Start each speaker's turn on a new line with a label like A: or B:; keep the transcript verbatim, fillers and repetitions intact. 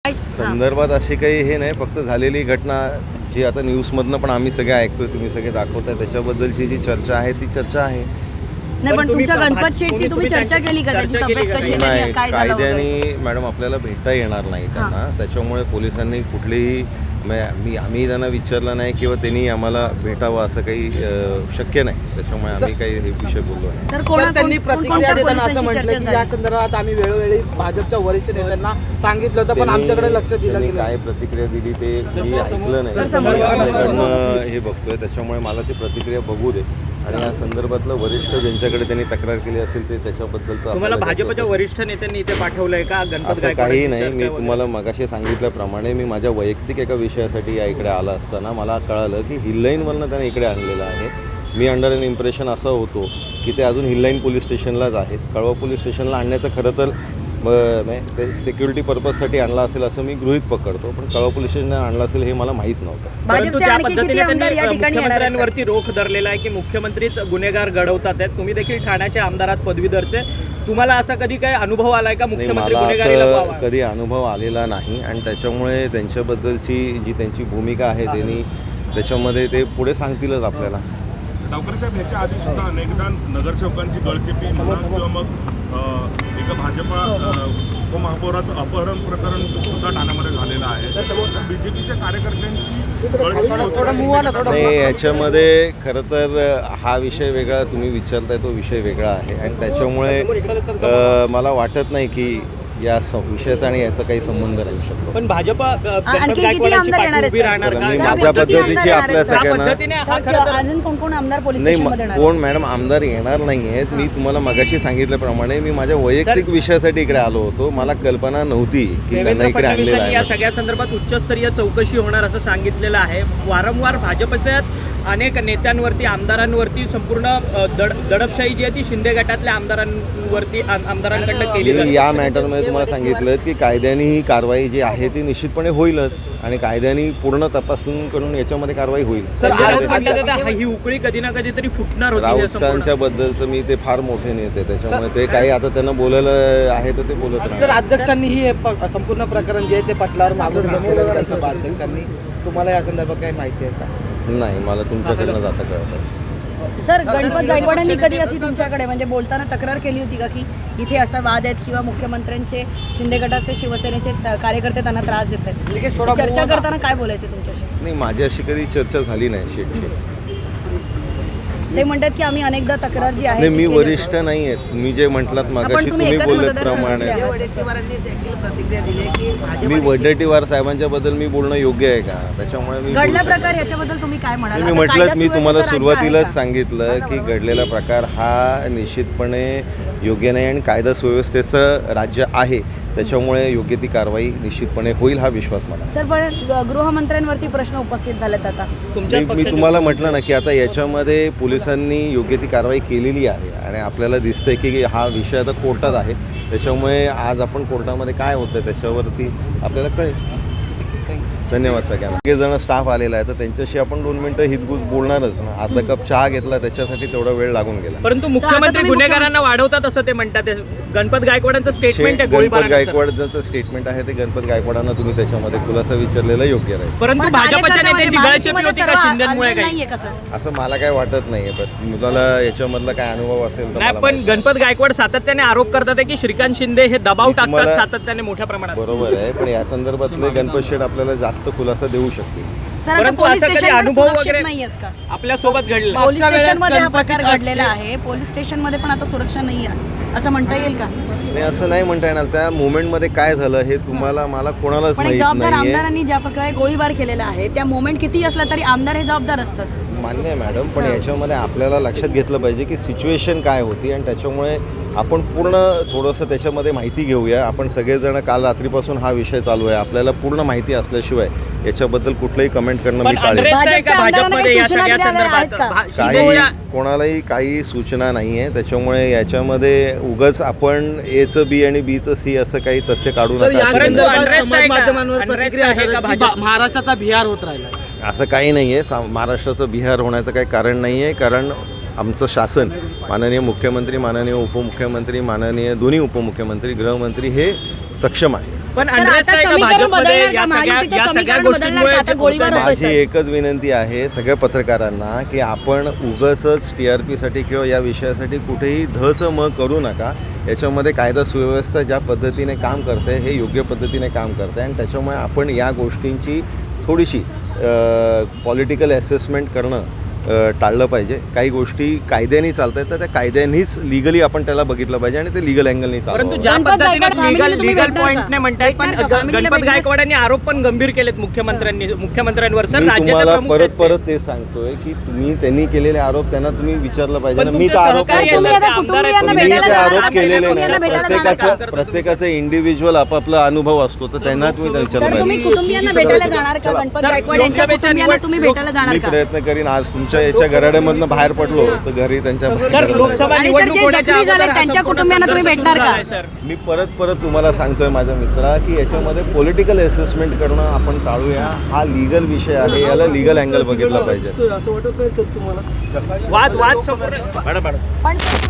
A: संदर्भात असे काही हे नाही, फक्त झालेली घटना जी आता न्यूजमधनं पण आम्ही सगळे ऐकतोय, तुम्ही सगळे दाखवताय, त्याच्याबद्दलची जी चर्चा आहे ती चर्चा आहे.
B: नाही पण तुमच्या गणपत शेठची तुम्ही चर्चा केली का? त्याची तब्येत कशी आहे, काय झालं वगैरे?
A: कायद्याने मॅडम आपल्याला भेटता येणार नाही त्यांना, त्याच्यामुळे पोलिसांनी कुठलीही मी आम्ही त्यांना विचारलं नाही किंवा त्यांनी आम्हाला भेटावं असं काही शक्य नाही, त्याच्यामुळे आम्ही काही हे विषय बोललो नाही.
C: सर कोणा त्यांनी प्रतिक्रिया देताना असं म्हटलं की या संदर्भात आम्ही वेळोवेळी भाजपच्या वरिष्ठ नेत्यांना सांगितलं होतं, पण आमच्याकडे लक्ष दिलं गेलं. काय
A: प्रतिक्रिया दिली ते मी ऐकलं नाही, हे बघतोय, त्याच्यामुळे मला ती प्रतिक्रिया बघू दे. आणि या संदर्भातलं वरिष्ठ ज्यांच्याकडे त्यांनी तक्रार केली असेल ते त्याच्याबद्दलचं
D: तुम्हाला भाजपच्या वरिष्ठ नेत्यांनी इथे पाठवलंय का? गणपत
A: काही नाही, मी तुम्हाला मगाशी सांगितल्याप्रमाणे मी माझ्या वैयक्तिक एका विषयासाठी या इकडे आला असताना मला कळालं की हिललाईनवरनं त्याने इकडे आणलेलं आहे. मी अंडर एन इम्प्रेशन असं होतो की ते अजून हिललाईन पोलीस स्टेशनलाच आहेत. कळवा पोलीस स्टेशनला आणण्याचं खरं तर ते सिक्युरिटी पर्पजसाठी आणला असेल असं मी गृहीत पकडतो, पण कळवा पोलीस स्टेशनला आणला असेल हे मला माहीत नव्हतं.
D: परंतु ज्या पद्धतीने त्यांनी मुख्यमंत्र्यांवरती रोख धरलेला आहे की मुख्यमंत्रीच गुन्हेगार घडवतात आहेत, तुम्ही देखील ठाण्याच्या आमदारात पदवीधरचे, तुम्हाला असा कधी काही अनुभव आलाय का मुख्यमंत्री गुन्हेगारीला?
A: कधी अनुभव आलेला नाही आणि त्याच्यामुळे त्यांच्याबद्दलची जी त्यांची भूमिका आहे त्यांनी त्याच्यामध्ये ते पुढे सांगतीलच आपल्याला.
E: डावकर साहेब, ह्याच्या आधी सुद्धा अनेकदा नगरसेवकांची गळचेपी म्हणा किंवा मग एका भाजपा उपमहापौराचं अपहरण प्रकरण सुद्धा ठाण्यामध्ये झालेलं आहे. बीजेपीच्या कार्यकर्त्यांची
A: नाही, याच्यामध्ये खरं तर हा विषय वेगळा तुम्ही विचारताय, तो विषय वेगळा आहे आणि त्याच्यामुळे मला वाटत नाही की या विषयाचा आणि याचा काही संबंध राहू शकतो.
D: पण भाजप
A: माझ्या पद्धतीची आपल्या सगळ्यांना
B: अजून कोण कोण आमदार पोलीस
A: नाही,
B: स्टेशनमध्ये येणार?
A: कोण मॅडम आमदार येणार नाही आहेत. मी तुम्हाला मगाशी सांगितल्याप्रमाणे मी माझ्या वैयक्तिक विषयासाठी इकडे आलो होतो, मला कल्पना नव्हती की त्यांना इकडे आणलेलं आहे.
D: या सगळ्या संदर्भात उच्चस्तरीय चौकशी होणार असं सांगितलेलं आहे. वारंवार भाजपच्याच अनेक नेत्यांवरती, आमदारांवरती संपूर्ण दड दडपशाही जी आहे ती शिंदे गटातल्या आमदारांवरती आमदारांकडनं केली जाते.
A: या मॅटरमध्ये तुम्हाला सांगितलं की कायद्याने ही कारवाई जी आहे ती निश्चितपणे होईलच आणि कायद्याने पूर्ण तपासून करून याच्यामध्ये कारवाई होईल.
D: सर ही उकळी कधी ना कधी तरी फुटणार होती.
A: राऊतांच्या बद्दलचं मी ते फार मोठे नेते, त्याच्यामुळे ते काही आता त्यांना बोलायला आहे तर ते बोलत नाही.
C: सर अध्यक्षांनी हे संपूर्ण प्रकरण जे आहे ते पटलावर मागून घेतलेलं विधानसभा अध्यक्षांनी, तुम्हाला या संदर्भात काही माहिती आहे का?
A: नाही, मला तुमच्याकडनं जाता कळत.
B: सर गणपत गायकवाडांनी कधी अशी तुमच्याकडे म्हणजे बोलताना तक्रार केली होती का की इथे असा वाद आहेत किंवा मुख्यमंत्र्यांचे शिंदे गटाचे शिवसेनेचे कार्यकर्ते त्यांना त्रास देत आहेत, चर्चा करताना काय बोलायचं तुमच्याशी?
A: नाही, माझी अशी कधी चर्चा झाली नाही शेटची.
B: ते म्हणतात की आम्ही अनेकदा तक्रार जी आहे
A: नाही, मी वरिष्ठ नाही आहेत. मी जे म्हटलात मागाशी तुम्ही बोलल्याप्रमाणे मी वडेट्टीवार साहेबांच्या बद्दल मी बोलणं योग्य आहे का? त्याच्यामुळे मी
B: घडला प्रकार याच्याबद्दल तुम्ही काय म्हणाल?
A: मी म्हटलं मी तुम्हाला सुरुवातीलाच सांगितलं की घडलेला प्रकार हा निश्चितपणे योग्य नाही आणि कायदा सुव्यवस्थेचं राज्य आहे, त्याच्यामुळे योग्य ती कारवाई निश्चितपणे होईल हा विश्वास मला.
B: सर पण गृहमंत्र्यांवरती प्रश्न उपस्थित झालेत आता.
A: मी तुम्हाला म्हटलं ना की आता याच्यामध्ये पोलिसांनी योग्य ती कारवाई केलेली आहे आणि आपल्याला दिसतंय की हा विषय आता कोर्टात आहे, त्याच्यामुळे आज आपण कोर्टामध्ये काय होतं त्याच्यावरती आपल्याला कळेल. धन्यवाद सगळ्यांना. सगळे जण स्टाफ आलेला आहे तर त्यांच्याशी आपण दोन मिनिटं हितगुज बोलणारच ना. अर्धा कप चहा घेतला त्याच्यासाठी तेवढा वेळ लागून गेला.
D: परंतु मुख्यमंत्री गुन्हेगारांना वाढवतात असं ते म्हणतात. गणपत गायकवाडांचं स्टेटमेंट आहे,
A: गणपत गायकवाडांचं स्टेटमेंट आहे ते गणपत गायकवाडांना तुम्ही त्याच्यामध्ये खुलासा विचारलेला योग्य राहील.
D: परंतु भाजपच्या नेत्यांची गळचेपी होती का शिंदेमुळे काही?
A: असं मला काय वाटत नाहीये, पण मुलाला याच्यामधला काय अनुभव असेल तर
D: नाही. पण गणपत गायकवाड सातत्याने आरोप करतात की श्रीकांत शिंदे हे दबाव टाकतात सातत्याने मोठ्या प्रमाणात.
A: बरोबर आहे, पण या संदर्भातले गणपत शेठ आपल्याला जास्त खुलासा देऊ शकते.
B: पोलीस स्टेशन वगैरे
D: आपल्या सोबत घडलं.
B: पोलीस स्टेशन मध्ये हा प्रकार घडलेला आहे, पोलीस स्टेशन मध्ये पण आता सुरक्षा नाही आहे असं म्हणता येईल का?
A: नाही, असं नाही म्हणता येणार. त्या मोमेंटमध्ये काय झालं हे तुम्हाला मला कोणालाच माहित नाही.
B: जबाबदार आमदारांनी ज्या प्रकारे गोळीबार केलेला आहे त्या मोमेंट किती असला तरी आमदार हे जबाबदार असतात.
A: मान्य आहे मॅडम, पण याच्यामध्ये आपल्याला लक्षात घेतलं पाहिजे की सिच्युएशन काय होती आणि त्याच्यामुळे आपण पूर्ण थोडंसं त्याच्यामध्ये माहिती घेऊया. आपण सगळेजण काल रात्रीपासून हा विषय चालू आहे, आपल्याला पूर्ण माहिती असल्याशिवाय याच्याबद्दल कुठलंही कमेंट करणं मी टाळेल. काही कोणालाही काही सूचना नाही आहे, त्याच्यामुळे याच्यामध्ये उगाच आपण एचं बी आणि बीचं सी असं काही तथ्य काढू नका.
C: महाराष्ट्राचा बिहार होत राहिला
A: असं काही नाही आहे. महाराष्ट्राचं बिहार होण्याचं काही कारण नाही आहे, कारण आमचं शासन माननीय मुख्यमंत्री, माननीय उपमुख्यमंत्री, माननीय दोन्ही उपमुख्यमंत्री, गृहमंत्री हे सक्षम आहे.
D: पण
B: सर,
D: अनरेस्ट
B: आता
D: आहे का
B: समीकरण
D: भाजपमध्ये
B: बदलणार
D: या
B: का?
D: सगळ्या
B: महायुतीचं
D: या सगळ्या
B: समीकरण बदलणार
D: गोष्टींमुळे
B: का? आता गोळीबार होतोय,
A: माझी
B: सर.
A: एकच विनंती आहे सगळ्या पत्रकारांना की आपण उगाचच टी आर पीसाठी किंवा या विषयासाठी कुठेही धचं म करू नका. याच्यामध्ये कायदा सुव्यवस्था ज्या पद्धतीने काम करते हे योग्य पद्धतीने काम करते आणि त्याच्यामुळे आपण या गोष्टींची थोडीशी पॉलिटिकल असेसमेंट करणं अ, टाळलं पाहिजे. काही गोष्टी कायद्याने चालत आहेत तर त्या कायद्यानीच लिगली आपण त्याला बघितलं पाहिजे आणि ते लिगल अँगलनी
D: परंतु
A: चालवं.
D: ज्या
B: गणपत
D: पद्धतीने
B: गायकवाड
D: लिगल
B: फॅमिलीला तुम्ही
D: लिगल
B: भेटणार
D: पॉईंटने
B: का?
D: म्हणतायत पण
B: भेटणार का?
D: ग-
B: फॅमिलीला
D: गणपत
B: भेटणार?
D: गायकवाडांनी आरोप पण गंभीर केलेत मुख्यमंत्र्यांनी मुख्यमंत्र्यांवर. सर
A: मी
D: राज्याचे
A: तुम्हाला
D: प्रमुख
A: परत
D: आहेत ते.
A: परत ते सांगतोय की तुम्ही त्यांनी केलेले आरोप त्यांना तुम्ही विचारलं पाहिजे
D: पण
A: ना. मी तर
D: तुमचे
A: आरोप
D: सहकारी
B: सर, तुम्ही
D: आहे,
B: आता
D: सर, आमदार आहेत,
B: कुटुंबियांना
A: मी
B: भेटायला
A: ते
B: जाणार
A: आरोप
B: का?
A: केलेले
B: कुटुंबियांना
A: नाही.
B: भेटायला जाणार का?
A: प्रत्येकाचं प्रत्येकाचं इंडिव्हिज्युअल आपापला अनुभव असतो तर त्यांना तुम्ही विचारलं
B: सर, तुम्ही
A: पाहिजे.
B: कुटुंबियांना भेटायला जाणार का? गणपत
D: सर,
B: गायकवाड यांच्या
D: लोकसभेच्या
B: कुटुंबियांना
D: निवड-
B: तुम्ही भेटायला जाणार
A: मी
B: का?
A: प्रयत्न करीन आज तुमच्या याच्या घराड्यामधनं बाहेर पडलो तर घरी त्यांच्या
D: सर लोकसभा
B: आणि सर,
D: निवडणूक
B: जे
D: होण्याच्या
B: जखमी झाले
D: अगोदर हा
B: त्यांच्या
D: संपूर्ण
B: कुटुंबियांना तुम्ही
D: संघर्ष
B: भेटणार
D: सुरू
B: का?
D: झालाय, सर.
A: मी परत परत तुम्हाला सांगतोय माझ्या मित्रा की याच्यामध्ये पॉलिटिकल असेसमेंट करणं आपण टाळूया. हा लिगल विषय आहे याला लिगल अँगल बघितला पाहिजे.
C: असं वाटत नाही सर तुम्हाला?
D: वाद वाद संपूर्ण
B: पण